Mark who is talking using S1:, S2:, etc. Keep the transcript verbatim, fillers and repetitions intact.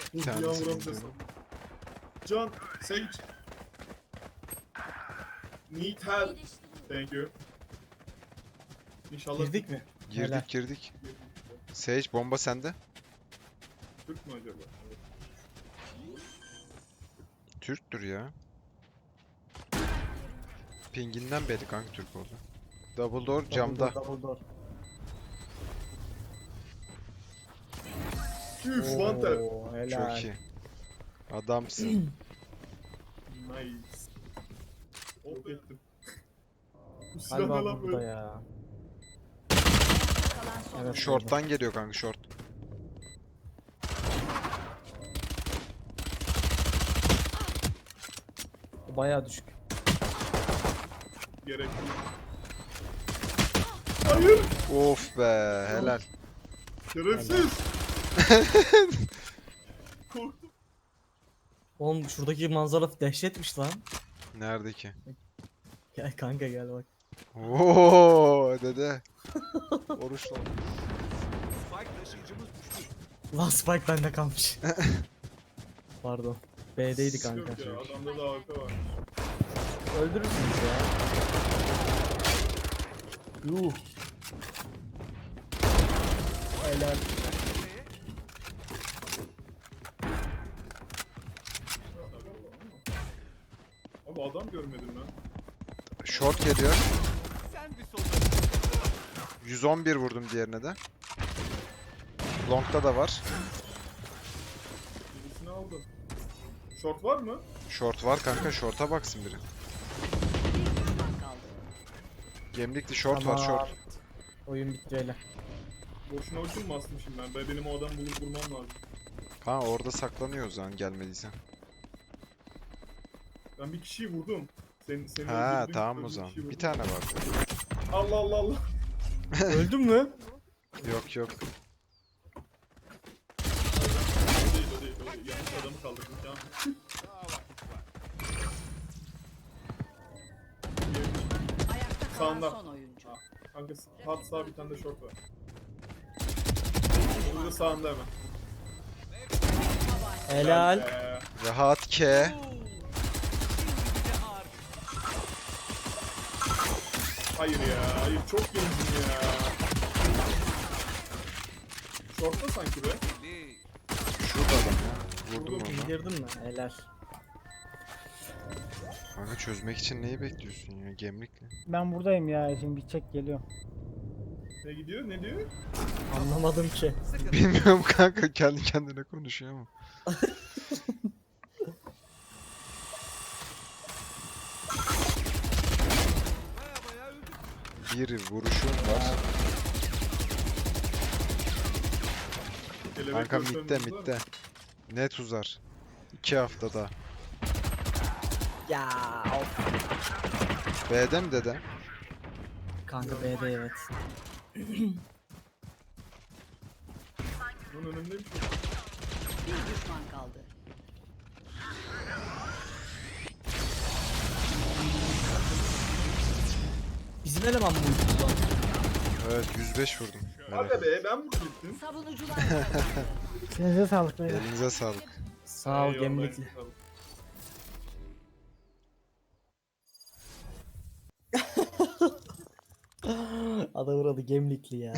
S1: Bir
S2: Dur bir
S1: tanesi
S2: yağmuran
S1: indi.
S2: desem. Can, Sage. Need help. Thank you. İnşallah
S3: Girdik mi?
S1: Girdik
S3: Helal.
S1: girdik. Sage bomba sende.
S2: Türk mü acaba?
S1: Türktür ya. Pinginden belli kanka Türk oldu. Double door
S3: Double
S1: camda.
S3: door, double door.
S2: Üf, one tap.
S3: Oo, helal.
S1: Çok iyi. Adamsın.
S2: Nice. Hop ettim. Bu silah ne
S3: Galiba
S2: lan
S3: burada
S2: böyle?
S3: ya.
S4: Kalan son
S3: Evet.
S1: Short'tan geliyor kanka short.
S3: Bu bayağı düşük.
S2: Gerek yok. Hayır.
S1: Of be helal.
S2: Şerefsiz. Korktum.
S3: Oğlum şuradaki manzara dehşetmiş lan.
S1: Nerede ki?
S3: Gel kanka gel bak.
S1: Oo dede. Oruç lan.
S3: Lan Spike bende kalmış. Pardon. B'deydi kanka.
S2: Yok ya, adamda da A K var.
S3: Öldürürsünüz ya. Yuh. Helal.
S2: Abi adam görmedim ben.
S1: Short geliyor. yüz on bir vurdum diğerine de. Long'da da var.
S2: Birisini aldım. Short var mı?
S1: Short var kanka short'a baksın biri.
S4: bir düşman kaldı.
S1: Gemlikli short
S3: Tamam.
S1: var short.
S3: Oyun bitti öyle.
S2: Boşuna ultim mi basmışım ben? Ben benim o adamı bulup vurmam lazım.
S1: Ha orada saklanıyor o zaman gelmediysen.
S2: Ben bir kişiyi vurdum. Sen, seni
S1: Ha
S2: öldürdüm,
S1: tamam o
S2: öldürdüm,
S1: zaman.
S2: kişiyi
S1: Bir
S2: vurdum.
S1: tane var.
S2: Allah Allah Allah.
S3: Öldün mü?
S1: Yok yok.
S2: O değil o değil o değil. Yanlış adamı kaldırdım. Tamam.
S4: Ayakta kalan
S2: Sağında.
S4: son oyuncu.
S2: Kanka hat sağ bir tane de short var. Burada sağında hemen.
S3: Helal.
S2: Ee,
S1: Rahat ke.
S2: hayır ya. Hayır çok gencim ya. Short'ta sanki be.
S1: Şurada adam ya. Vurdum onu.
S3: İndirdin mi? Helal.
S1: Kanka çözmek için neyi bekliyorsun ya gemlikli?
S5: Ben buradayım ya, şimdi bir çek geliyor.
S2: Ne gidiyor? Ne diyor?
S3: Anlamadım ki.
S1: Bilmiyorum kanka kendi kendine konuşuyor ama. Bir vuruşum var.
S2: Kelebek
S1: Kanka
S2: gösterimiz
S1: mitte
S2: var mı?
S1: mitte. Net uzar. İki haftada.
S3: Ya of.
S1: B'de mi dede?
S3: Kanka B'de evet.
S2: Bunun önündeymiş.
S4: Bir düşman kaldı.
S3: Bizim eleman mı uyudu lan?
S1: Evet yüz beş vurdum.
S2: Aga
S1: Evet.
S2: be ben vurdum gittim.
S4: Savunucular kazandı.
S5: Size sağlık beyler.
S1: Elinize sağlık.
S3: Sağ ol
S2: Eyvallah,
S3: gemlikli.
S2: eyvallah.
S3: Adamın adı gemlikli ya.